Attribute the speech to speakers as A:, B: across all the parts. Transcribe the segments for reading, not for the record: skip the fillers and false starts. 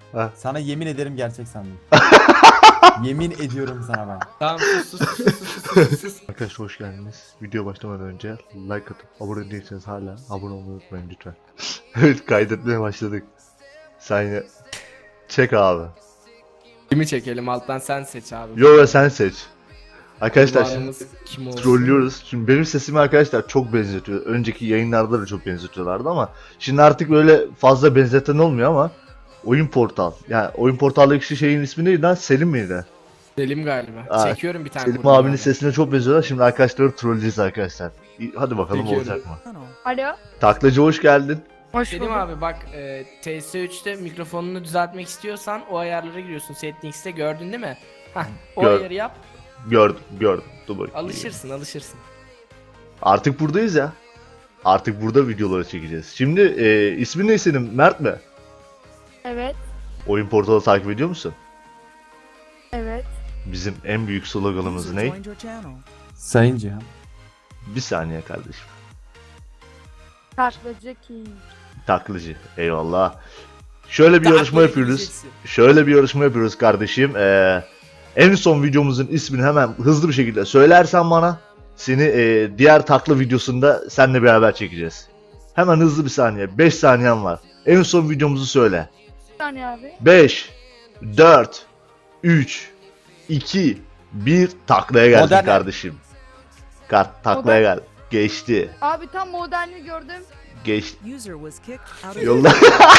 A: Ha.
B: Sana yemin ederim gerçek sandım. Yemin ediyorum sana ben.
C: Tamam sus.
A: Arkadaşlar hoş geldiniz. Video başlamadan önce like atıp abone değilseniz hala abone olmayı unutmayın lütfen. Evet, kaydetmeye başladık. Sen yine çek abi.
C: Kimi çekelim alttan sen seç abi.
A: Yo sen seç. Arkadaşlar şimdi
C: Kurbanımız kim olsun?
A: trollüyoruz. Şimdi benim sesimi arkadaşlar çok benzetiyor. Önceki yayınlarda da çok benzetiyorlardı ama şimdi artık böyle fazla benzeten olmuyor ama Oyun Portal. Yani Oyun Portal'daki şeyin ismi neydi lan? Selim miydi?
C: Selim galiba.
A: Aa,
C: Çekiyorum bir tane.
A: Selim
C: kurban
A: abinin
C: abi.
A: sesine çok benziyorlar. Şimdi arkadaşları trolleyeceğiz arkadaşlar. Hadi bakalım
C: Çekiyorum.
A: olacak mı?
D: Alo.
A: Taklacı hoş geldin.
D: Hoş
C: Selim
D: bulduk.
C: abi bak TS3'te mikrofonunu düzeltmek istiyorsan o ayarlara giriyorsun settings'te gördün değil mi? Hah o
A: Gör-
C: ayarı yap
A: Gördüm. Dur bakayım.
C: alışırsın.
A: Artık buradayız ya. Artık burada videoları çekeceğiz. Şimdi ismin ne senin? Mert mi?
D: Evet.
A: Oyun Portalı takip ediyor musun?
D: Evet.
A: Bizim en büyük sloganımız ne?
B: Sayın Cihan.
A: Bir saniye kardeşim.
D: Taklacı King.
A: Taklacı. Eyvallah. Şöyle bir yarışma yapıyoruz. Şöyle bir yarışma yapıyoruz kardeşim. En son videomuzun ismini hemen hızlı bir şekilde söylersen bana seni diğer takla videosunda seninle beraber çekeceğiz. Hemen hızlı bir saniye. 5 saniyen var. En son videomuzu söyle.
D: Bir saniye abi.
A: 5, 4, 3, 2, 1 taklaya geldin
B: Modern.
A: kardeşim. Taklaya gel. Geçti.
D: Abi tam modelini gördüm.
A: Geçti.
E: User was kicked out of
A: Yolla.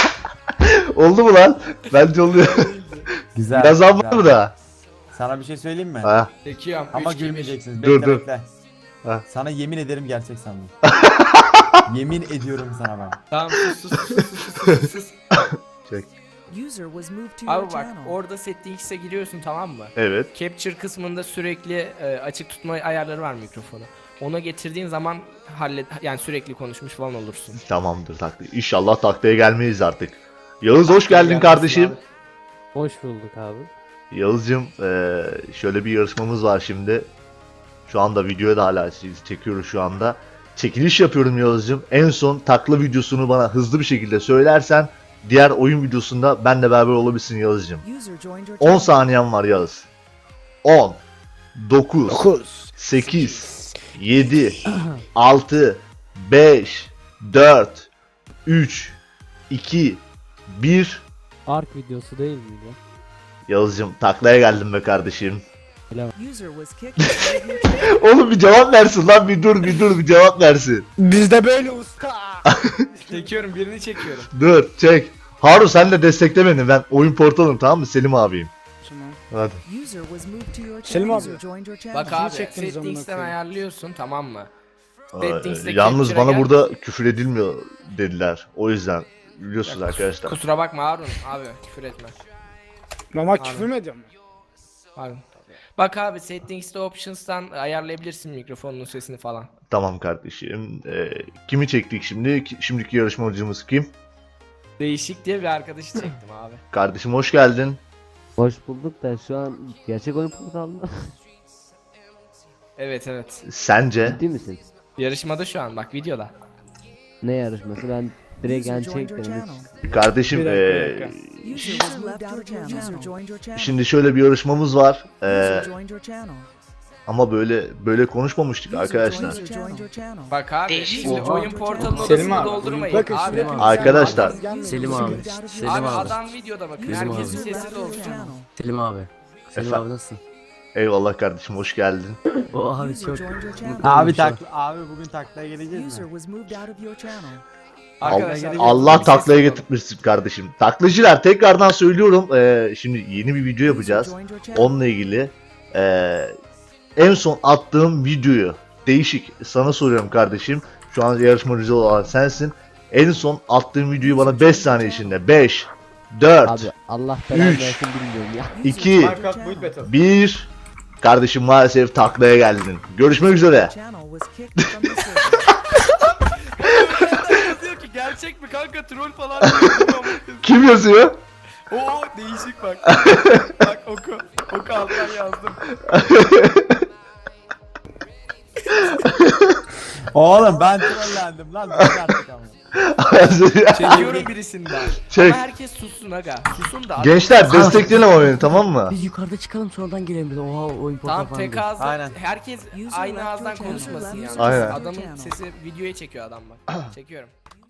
A: Oldu mu lan? Bence oluyor.
B: Güzel.
A: Biraz var
B: güzel.
A: mı da?
B: Sana bir şey söyleyeyim mi?
A: Ha,
C: Çekiyorum.
B: Ama
C: Üç, iki, bir.
B: gülmeyeceksiniz.
A: Dur,
B: Bekle
A: dur.
B: bekle.
A: Ha.
B: Sana yemin ederim gerçek sandım. Yemin ediyorum sana ben.
C: Tamam sus.
A: çek.
E: user was moved to your
C: Abi bak
E: channel.
C: orada settings'e giriyorsun tamam mı?
A: Evet.
C: Capture kısmında sürekli açık tutma ayarları var mikrofonu. Ona getirdiğin zaman yani sürekli konuşmuş falan olursun.
A: Tamamdır takla. İnşallah taklaya gelmeyiz artık. Yağız hoş geldin
C: Gelmesin
A: kardeşim.
C: abi.
F: Hoş bulduk abi.
A: Yağız'cığım şöyle bir yarışmamız var şimdi. Şu anda videoya da hala çekiyoruz şu anda. Çekiliş yapıyorum Yağız'cığım. En son takla videosunu bana hızlı bir şekilde söylersen diğer oyun videosunda benle beraber olabilirsin Yağız'cığım.
E: User joined your
A: 10
E: channel.
A: saniyen var Yağız. 10 9 8 7 6 5 4 3 2 1
F: Ark videosu değil miydi?
A: Yağız'cığım taklaya geldim be kardeşim.
E: User was kicked out of your channel.
A: Oğlum bir cevap versin lan, bir dur bir cevap versin.
F: Bizde böyle usta.
C: Çekiyorum birini çekiyorum.
A: Dur çek. Harun sen de destekle beni, ben oyun portalım tamam mı, Selim abiyim. Hadi.
E: User was moved to your
F: Selim
E: channel.
F: abi.
E: User joined your channel.
C: Bak abi
F: çektiniz amına
C: settings'ten
F: koyayım?
C: ayarlıyorsun tamam mı?
A: Aa,
C: Settings'te
A: Yalnız
C: capture'a
A: bana
C: gel.
A: burada küfür edilmiyor dediler. O yüzden biliyorsunuz arkadaşlar.
C: Kusura bakma Harun abi küfür etme.
F: Mama
C: Abi.
F: küfür mü ediyorum?
C: Harun. Bak abi settings'te options'tan ayarlayabilirsin mikrofonun sesini falan.
A: Tamam kardeşim. Kimi çektik şimdi? Şimdiki yarışmacımız kim?
C: Değişik diye bir arkadaşı çektim abi.
A: Kardeşim hoş geldin.
G: Hoş bulduk da şu an gerçek oyun portalında.
C: Evet evet.
A: Sence?
G: Ciddi misin?
C: Yarışmada şu an bak videoda.
G: Ne yarışması? Ben direkt
E: User joined
G: gerçek
E: your
G: dedim.
E: channel.
A: Kardeşim
E: User was moved out of your channel. User joined your channel.
A: şimdi şöyle bir yarışmamız var.
E: User joined your channel.
A: Ama böyle konuşmamıştık
E: User
A: arkadaşlar.
E: joined your channel.
C: Bak abi şimdi
E: Oha.
C: oyun portalının
F: Selim
C: odasını
F: abi,
C: doldurmayın
F: bakın
C: abi.
F: şuraya-
A: Arkadaşlar.
G: Selim abi. Selim
C: Abi
G: abi.
C: adam videoda bakın
G: Selim
C: herkesin
G: abi.
C: sesi de olsun.
G: Selim abi. Selim
A: Efendim?
G: abi nasılsın?
A: Eyvallah kardeşim hoş geldin.
G: O abi
E: User
G: çok
E: joined your channel.
B: Abi
G: şu an.
B: abi bugün taklaya geleceğiz
E: User
B: mi?
E: was moved out of your channel.
C: Arkadaşlar
A: Allah
C: bir ses
A: taklaya
C: alalım.
A: getirmişsin kardeşim. Taklacılar tekrardan söylüyorum. Şimdi yeni bir video yapacağız.
E: User joined your channel.
A: Onunla ilgili. En son attığım videoyu değişik sana soruyorum kardeşim. Şu an yarışmacı olan sensin. En son attığım videoyu bana 5 saniye içinde. 5 4
G: Abi Allah belanı
A: Üç.
G: versin bilmiyorum ya.
E: User
A: 2
E: joined your channel.
A: 1 Kardeşim maalesef taklaya geldin. Görüşmek üzere.
E: Channel was kicked from the server.
C: Yazıyor ki gerçek mi kanka troll falan diyor.
A: Kim yazıyor?
C: Oo değişik bak. Bak oku. Oku alttan yazdım.
B: Oğlum ben trollendim lan. Dur artık ama.
C: Çekiyorum birisinden.
A: Çek.
C: Ama herkes sussun aga. Susun da.
A: Gençler destekleyin ama beni, tamam mı?
G: Biz yukarıda çıkalım sonradan gelelim biz. Oha o import
C: Tamam
G: falan
C: tek
G: diyor.
C: ağızda.
B: Aynen.
C: Herkes
E: User
C: aynı
E: left
C: ağızdan
E: your channel.
C: konuşmasın yani.
E: User
A: Aynen.
E: left your
C: Adamın
E: channel.
C: sesi videoya çekiyor adam bak. Çekiyorum.